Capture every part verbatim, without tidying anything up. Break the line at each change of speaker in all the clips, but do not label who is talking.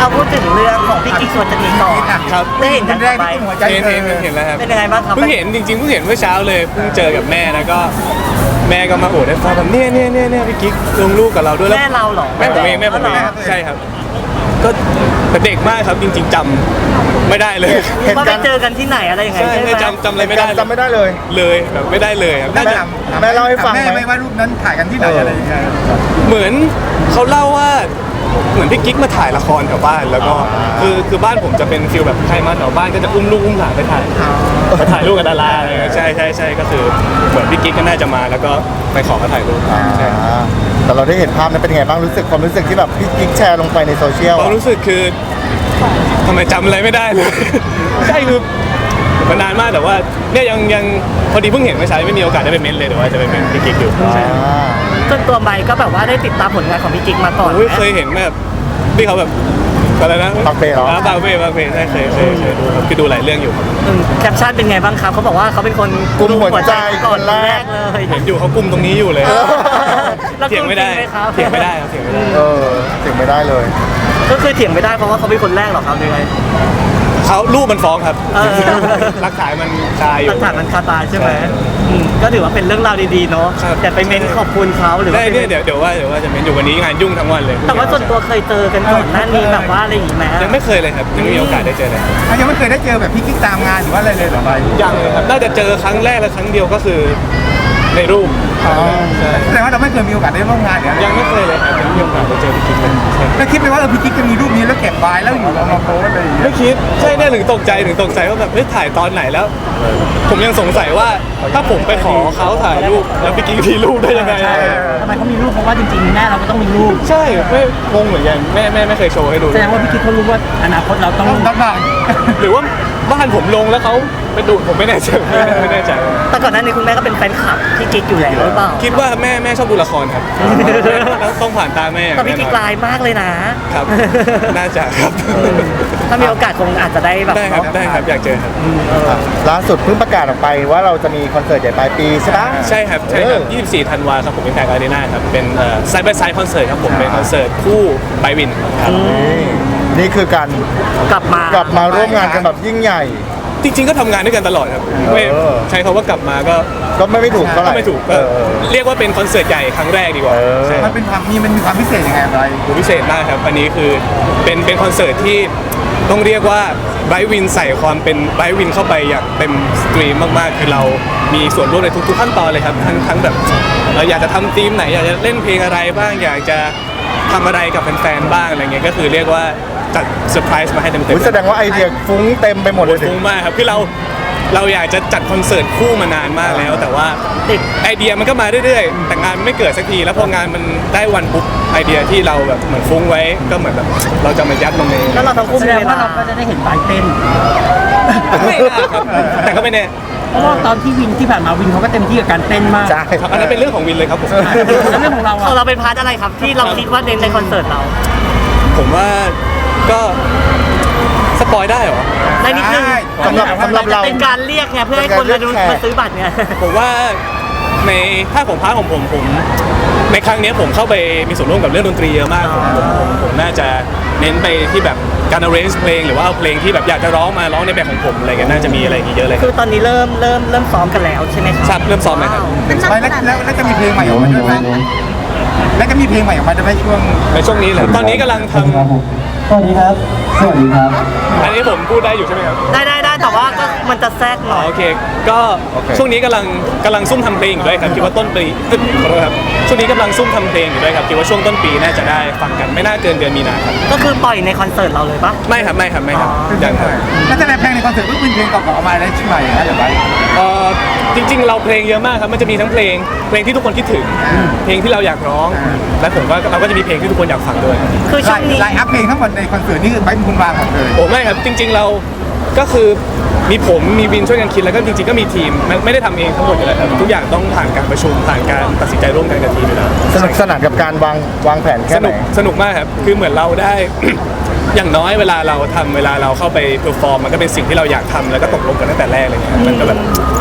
เอาพูดถึงเรื่องของพี่กิ๊กชวนจะหนีก่อน
ครับ
ได้เห็นกันไป
เห็นเห็นเห็นแล้วครับ
เป็นยังไงบ้างครับ
เพิ่งเห็นจริงๆเพิ่งเห็นเมื่อเช้าเลยเพิ่งเจอกับแม่แล้วก็แม่ก็มาโอดให้ฟังแบบเนี่ยเนี่ยเนี่ยเนี่ยพี่กิ๊กลงลูกกับเราด้วยแล้ว
แม่เราเหรอ
แม่ผมเองแม่ผมเองใช่ครับก็แต่เด็กมากครับจริงๆจำไม่ได้เลย
เห็น
ว่า
กั
ไป
น
เจอกันที่ไหนอะไรยังไง
ใช่
ใช่ไหม
ไม่จำจำอะไรไม่ได้
จำไม่ได้เลย
เลยแบบไม่ได้เลยครับน่าจะ
แม่เล่าให้ฟังไหม
แม่ไม่ว่ารูปนั้นถ่ายกันที่ไหนอะไรยังไง
เหมือนเขาเล่าว่าเหมือนพี่กิ๊กมาถ่ายละครแถวบ้านแล้วก็คือคือบ้านผมจะเป็นฟิลแบบใครมาแถวบ้านก็จะอุ้มลูกอุ้มหลานไปถ่ายไปถ่ายรูปกับดาราอะไรเงี้ยใช่ใช่ใช่ก็คือเหมือนพี่กิ๊กก็น่าจะมาแล้วก็ไปขอมาถ่ายรูป
อ่า
ใช่
แต่เราได้เห็นภาพนั้นเป็นไงบ้างรู้สึกความรู้สึกที่แบบพี่กิ๊กแชร์ลงไปในโซเชียล
ความรู้สึกคือทำไมจำอะไรไม่ได้เลย ใช่คือมันนานมากแต่ว่าเนี่ยยังยังพอดีเพิ่งเห็นเมื่อเช้าไม่มีโอกาสได้ไปเม้นเลยแต่ว่าจะไปเม้นพี่กิ๊กอยู่ใช่
อ่า
จนตัวใบก็แบบว่าได้ติดตามผลงานของพี่กิ๊กมาก่อน
โอ้ย
ไหม
เคยเห็นแบบที่เขาแบบอะไรนะ
ปากเป้เหรอ
ปากเป้ปากเป้ใช่เคยเคยเคยดูครับคือดูหลายเรื่องอยู่ครับ
อืมแคปชั่นเป็นไงบ้างครับเขาบอกว่าเขาเป็นคน
กุมหัวใจ
ก่อน
คนแรก
เลย
เห็นอยู่เขากุมตรงนี้อยู่เลย
แล้ว
เถียงไม่ได้
จริหครับ
เถียงไม่ได้ครับเถียงไม่ได้
เออถึงไม่ได้เลย
ก็คือเถียงไม่ได้เพราะว่าเขาเป็นคนแรกเหรอครับยังไง
เขารูปมันฟ้องครับ
เออ
หลักฐานมันคาอ
ห
ยู่
ลักฐานมันคาตาใช่ไหม
ใช่
อืมก็ถือว่าเป็นเรื่องราวดีๆเนาะ
ครับ
แต่ไปเม้นขอบคุณเขาหรือ
ได้
ว่า
เนี่ยเดี๋ยวเดี๋ยวว่าเดี๋ยวว่าจะเม้นอยู่วันนี้งานยุ่งทั้งวันเลย
แต่ว่าส่วนตัวเคยเจอกันก่อนหน้านี้แบบว่าอะไรอย่างงี้ไหม
ยังไม่เคยเลยครับยังไม่มีโอกาสได้เจอเลย
อ่ะยังไม่เคยได้เจอแบบพี่กิ๊กตามงานหรือว่าอะไรเลยเหรอใบ
ยังเลยครับน่าจะเจอครั้งแรกและครั้งเดียวก็คือในรูป
อ๋อ
ใช่
แสดงว่าเราไม่เคยมีโอกาสได้ร่วมงานหรืออะไร
ยังไม่เคยเลยครับยังไม่มีโอกาสได้เจอพี่กิ๊กเลยใช่
แล้วคิดไหมว่าเออพี่กิ๊กจะมีรูปนี้แล้วเก็บไว้แล้วอยู่เอามาโพสอะไรอย่างเงี้ย
ไม่คิดใช่เนี่ยถึงตกใจถึงตกใจว่าแบบเฮ้ยถ่ายตอนไหนแล้ว ผมยังสงสัยว่าถ้าผมไปขอเขาถ่ายรูปแล้วพี่กิ๊กมีรูปได้ยังไง
ทำไมเขามีรูปเพราะว่าจริงๆแม่เราก็ต้องมีรูป
ใช่ไม่งงเหมือนกันแม่แม่ไม่เคยโชว์ให้ดู
แสดงว่าพี่กิ๊กเขารู้ว่าอนาคตเราต้อง
ต้องรับบ้าง
หรือว่าบ้านผมลงแล้วเขาไปดูผมไม่แน่ใจไม่แน่ใจ
แต่ก่อนหน้านี้คุณแม่ก็เป็นแฟนคลับพี่กิ๊กอยู่แล้วหรือเปล่า
คิดว่าแม่แม่ชอบดูละครครับแล้วต้องผ่านตาแม่
แต่พี่กิ๊ก
แน่นอน
ลายมากเลยนะ
ครับ น่าจะครับ
ถ้ามีโอกาสคงอาจจะได้แบบ
ได้ครับ
เนาะ
ได้ครับอยากเจอครับ
อ่ะล่าสุดเพิ่งประกาศออกไปว่าเราจะมีคอนเสิร์ตใหญ่ปลายปีใช่ปะ
ใช่ครับใช่ครับ
เออ
ยี่สิบสี่ ธันวาครับผมเป็นแพกอารีนาครับเป็นไซด์บายไซด์คอนเสิร์ตครับผมเป็นคอนเสิร์ตคู่ไบวินครับ
นี่นี่คือการ
กลับมาก
ลับมาร่วมงานกันแบบยิ่งใหญ่
จริงๆก็ทำงานด้วยกันตลอดครับไม่
เออ
ใช้คำว่ากลับมาก็
ก็ไม่ไม่ถูกเท่าไห
ก็
ร่
ไม่ถูก
เอ
ก็
อ
เรียกว่าเป็นคอนเสิร์ตใหญ่ครั้งแรกดีกว่า
เออ
ใช่
มันเป็นความมีมันมีความพิเศษยังไงใบ
พิเศษมากครับอันนี้คือเป็นเป็นคอนเสิร์ตที่ต้องเรียกว่าไบรท์วินใส่ความเป็นไบรท์วินเข้าไปอย่างเต็มสตรีมมากๆคือเรามีส่วนร่วมในทุกๆขั้นตอนเลยครับทั้งทั้งแบบเราอยากจะทำธีมไหนอยากจะเล่นเพลงอะไรบ้างอยากจะทำอะไรกับแฟนๆบ้างอะไรเงี้ยก็คือเรียกว่าจัดเซอร์ไพรส์มาให้เต็ม
อุ๊ย
ๆ
แสดงว่าไอเดียฟุ้งเต็มไปหมดเลยสิ
ฟุ้งมากครับคือเราเราอยากจะจัดคอนเสิร์ตคู่มานานมากแล้ว แต่ว่า
ติด
ไอเดียมันก็มาเรื่อยๆแต่งานมันไม่เกิดสักทีแล้วพองานมันได้วันปุ๊บไอเดียที่เราแบบเหมือนฟุ้งไว้ก็เหมือนแบบเราจะมายัดลงใน
แล้วเราทั้งคู่
แส
มี
ดง
เว
ว่า
ลา
เราก็จะได้เห็นบายเต้น
ไม่น่าครับแต่ก็ไม่แน่
เพราะว่าตอนที่วินที่ผ่านมาวินเขาก็เต็มที่กับการเต้นมาก
ใช่
ครับอันนั้นเป็นเรื่องของวินเลยครับผม
แล้วเรื่องของเรา
ของ
อะ
เราเป็นพาร์ทอะไรครับที่เราคิดว่าเน้นในคอนเสิร์ตเรา
ผมว่าก็สปอยได้เหรอ
ได้นิดนึง
สำหรับสำหรับเรา
เป็นการเรียกไงเพื่อให้คนมาดู
เป็นการเรียกแขก
มาซื้อบัตรไง
ผมว่าในภาคของพาร์ทของผมผมในครั้งเนี้ยผมเข้าไปมีส่วนร่วมกับเรื่องดนตรีเยอะมากผมผมผมผมน่าจะเน้นไปที่แบบการ arrange เพลงหรือว่าเอาเพลงที่แบบอยากจะร้องมาร้องในแบบของผมอะไรเงี้ยน่าจะมีอะไรอย่างเงี้ยเยอะเลยค
คื
รับ
อตอนนี้เริ่มเริ่มเริ่มซ้อมกันแล้วใช่ไหมครับ
ครับเริ่มซ้อมเลยครับ
ใบแล้วแล้วแล้วจะมีเพลงใหม่ออกมาด้วยไหมแล้วจะมีเพลงใหม่ออกมาด้วยไหมช่วง
ในช่วงนี้เลยตอนนี้กำลังทำ
สวัสดีครับ สวัสดีครับ
อันนี้ผมพูดได้อยู่ใช่ไหมครับ
ได้ได้ได้แต่ว่าก็มันจะแทรกห
อ๋
น่
อ
อย
โอเค ก็
โอเค
ช่วงนี้กำลังกำลังซุ่มทำเพลงอยู่ด้วยครับคิดว่าต้นปีเอ้ยขอโทษครับช่วงนี้กำลังซุ่มทำเพลงอยู่ด้วยครับคิดว่าช่วงต้นปีน่าจะได้ฟังกันไม่น่าเกินเดือนมีนาครับ
ก็คือปล่อยในคอนเสิร์ตเราเลยปะ
ไม่ครับไม่ครับไม่ครับ
อ๋อ
ยังครับ
แล้วแสดงเพลงในคอนเสิร์ตก็เป็นเพลงเก่าๆออกมาได้ใช่ไหมนะเดี๋ยวใบ
เอ่อจริงๆ เราเพลงเยอะมากครับมันจะมีทั้งเพลงเพลงที่ทุกคนคิดถึง เพลงที่เราอยากร้อง และผมก็เราก็จะมีเพลงที่ทุกคนอยากฟังด้วย
คือช่วงนี้
ไลน์อัพเพลงทั้งหมดในคอนเสิร์ตนี่คือใบเป็นคนวางหมดเลย
โอ้ไม่ครับจริง ๆเราก็คือมีผมมีวินช่วยกันคิดแล้วก็จริงๆก็มีทีมไม่ไม่ได้ทำเองทั้งหมดอยู่แล้วครับทุกอย่างต้องผ่านการประชุมผ่านการตัดสินใจร่วมกันกับทีมอยู่แล้ว
สนุกสนานกับการวางวางแผน
ส
แค่ไหน
นุกสนุกมากครับคือเหมือนเราได้ อย่างน้อยเวลาเราทำเวลาเราเข้าไปเพอร์ฟอร์มมันก็เป็นสิ่งที่เราอยากทำแล้วก็ตกลงกันตั้งแต่แรกอะไรเงี้ยมันก็แบบ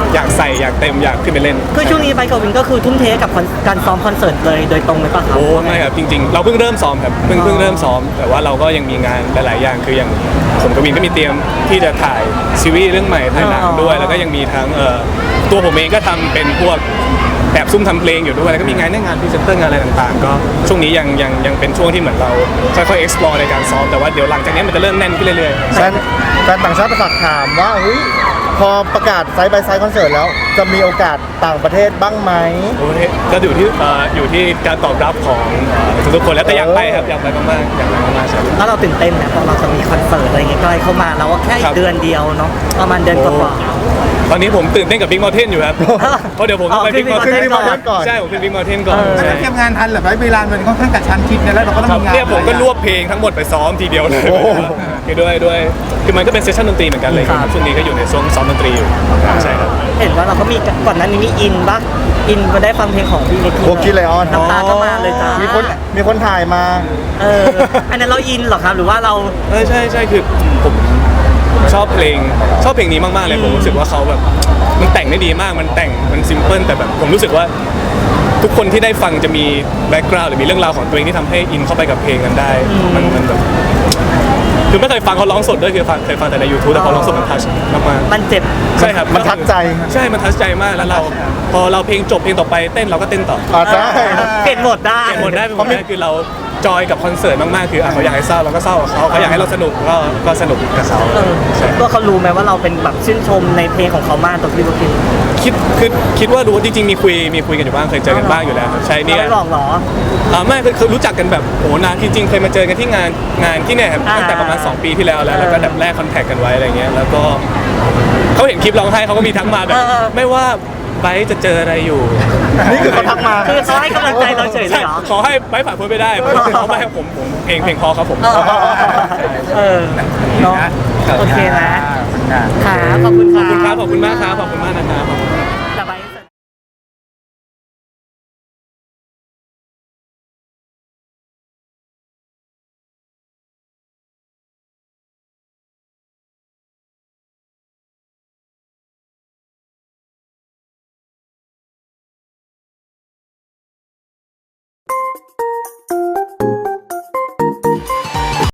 อยากใส่อยากเต็มอยากขึ้นไปเล่น
คือช่วงนี้ไบค์กับวินก็คือทุ่มเทกับคอนการซ้อมคอนเสิร์ตเลยโดยตรงเลยป่ะครับ
โอ้ไม่ครับจริงๆ เราเพิ่งเริ่มซ้อมครับเพิ่งเพิ่งเริ่มซ้อมแต่ว่าเราก็ยังมีงานหลายๆอย่างคืออย่างผมกับวินก็มีเตรียมที่จะถ่ายซีรีส์เรื่องใหม่ถ่ายหนังด้วย แล้วก็ยังมีทั้งเอ่อตัวผมเองก็ทำเป็นพวกแอบซุ่มทำเพลงอยู่ด้วยแล้วก็มีงานในงานพรีเซนเตอร์งานอะไรต่างๆ ก็ช่วงนี้ยังยังยังเป็นช่วงที่เหมือนเราค่อยๆ explore ในการซ้อมแต่ว่าเดี๋ยวหลังจากนี้มันจะเริ่มแน่นขึ้นเรื่อยๆ
แฟนแฟนต่างชาติฝากถามว่าเฮ้ยพอประกาศไซส์บายไซส์คอนเสิร์ตแล้ว จะมีโอกาสต่างประเทศบ้างไหม
โอ้ยก็อยู่ที่เอ่ออยู่ที่การตอบรับของเอ่อทุกๆคนแล้วแต่อยากไปครับอยากไปมากๆอยากไปมากๆใช่
แล้วเราตื่นเต้นนะเพราะเราจะมีคอนเสิร์ตอะไรเงี้ยใกล้เข้ามาเราก็แค่อี
ครั
ก
บ
เดือนเดียวเนาะประมาณเดือนกว่า
ตอนนี้ผมตื่นเต้นกับ Big Mountain อยู่ครับ เพราะเดี๋ยวผมต้องไป
อ๋อขึ้น
Big Mountain
Big
Mountain ก่อน
ใช่ผมขึ้น Big Mountain ก่อน
เออ
ใช่
แล้วเตรียมงานทันเหรอเวลามันค่อนข้างกระชั้นชิดเนี่ยแล้วเราก็ต้อง
ครับ
มีงาน
เนี่ยผมก็รวบเพลงทั้งหมดไปซ้อมทีเดียวเลย
โอ้โห
คือด้วยด้วยคือมันก็เป็นเซสชั่นดนตรีเหมือนกันเลยครับช่วงนี้ก็อยู่ในช่วงซ้อมดนตรีอยู่ใช่ครับ
ๆเห็นว่าเราก็มีก่อนหน้านี้มีอินบ้างอินมาได้ฟังเพลงของพี่เล็ก
โบกี้ไลออน
น้ำตาก็มาเลยจ้า
มีคนมีคนถ่ายมา
เอออันนั้นเราอินเหรอครับหรือว่าเรา
เออใช่ใช่คือผมชอบเพลงชอบเพลงนี้มากๆเลยผมรู้สึกว่าเขาแบบมันแต่งได้ดีมากมันแต่งมันซิมเพิลแต่แบบผมรู้สึกว่าทุกคนที่ได้ฟังจะมีแบ็กกราวด์หรือมีเรื่องราวของตัวเองที่ทำให้อินเข้าไปกับเพลงนั้นได้มันมันแบบคือไม่เคยฟังเขาร้องสดด้วยคือฟังเคยฟังแต่ใน YouTube แต่พอร้องสดมันทัชมากๆ
มันเจ็บ
ใช่ครับ
มันทัดใจ
ใช่มันทัชใจมากแล้วเราพอเราเพลงจบเพลงต่อไปเต้นเราก็เต้นต่อ
อ่าใช่
เปลี่ยนโหมดได้
เปลี่ยนหมดได้เป็นหมดได้คือเราจอยกับคอนเสิร์ตมากๆคืออ่ะเขาอยากให้เศร้าเราก็เศร้ากับเขาเขาอยากให้เราสนุกก็ก็สนุกกับเขา
เออ
ใช่
ตัวเขารู้ไหมว่าเราเป็นแบบชื่นชมในเพลงของเขามากตัวพี่โบกี้
คิดคือคิดว่ารู้จริงๆมีคุยมีคุยกันอยู่บ้างเคยเจอกันบ้างอยู่แล้วครับใช่เนี่ย
เราไม่หลอกเหรอ
อ่าไม่คือคือรู้จักกันแบบโอ้นานจริงๆเคยมาเจอกันที่งานงานที่เนี่ยครับ
อ่า
ตั้งแต่ประมาณสองปีที่แล้วแล้ว
เออ
แล้วก็แบบแลกคอนแทคกันไว้อะไรเงี้ยแล้วก็เขาเห็นคลิปร้องไห้เขาก็มีทักมาแบบ
เออเออ
ไม่ว่าไบร์ทจะเจออะไรอยู่
นี่คือเขาทักมา
คือเขาให้กำลังใจเราเฉยเลยเหรอ
ขอให้ไบร์ทผ่านพ้นไปได้เพราะเขาไม่ให้ผมผมเพลงเพลงพอครับผม
เออเออเนาะโอเคนะค่ะขอบคุณ
ข
ค่ะ
อบคุณครับขอบคุณมากครับขอบคุณมากนะครับ
แต่ไป